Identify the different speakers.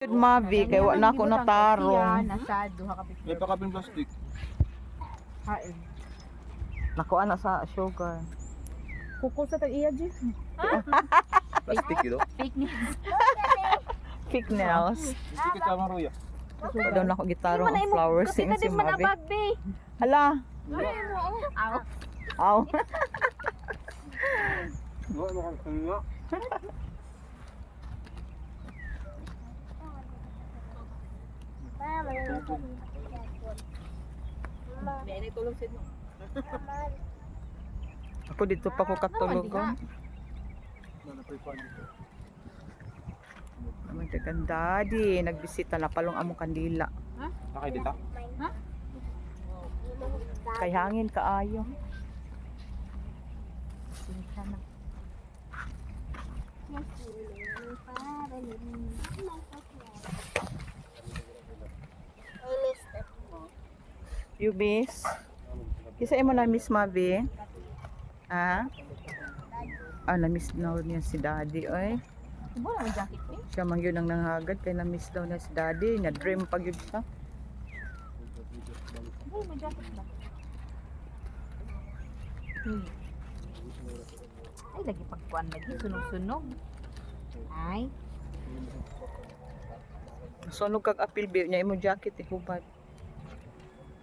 Speaker 1: Mavi kay wa na ako natarong.
Speaker 2: Nasa duha ka picture.
Speaker 3: May pakaping plastic.
Speaker 2: Hain.
Speaker 1: Nakuha na sa sugar.
Speaker 2: Kuko sa tag-iya, G.
Speaker 3: Plastic yun.
Speaker 2: Fake news.
Speaker 1: Fake nails.
Speaker 3: Sige ka maruya.
Speaker 1: Pa daw na ako gitarong ang flowers si Mavi. Hala.
Speaker 2: Aw.
Speaker 1: Aw.
Speaker 3: Ano ka kanina?
Speaker 2: Dili tulog sid mo.
Speaker 1: Ako dito pa ko katulog. Naman kang daddy, nagbisita na palong among kandila.
Speaker 3: Nakay dito?
Speaker 1: Kay hangin kaayo. You miss? Kisa imo na miss Mavi? Ha? Na-miss na niya si daddy, oy.
Speaker 2: Ibo na may jacket ni.
Speaker 1: Siya man yun ang nanghagad, kaya na-miss daw na si daddy. Na-dream pag yun siya.
Speaker 2: Ibo may jacket ba? Ay lagi pagkuan lagi sunog-sunog. Ay.
Speaker 1: Sunog kag apil niya imo jacket, hubad.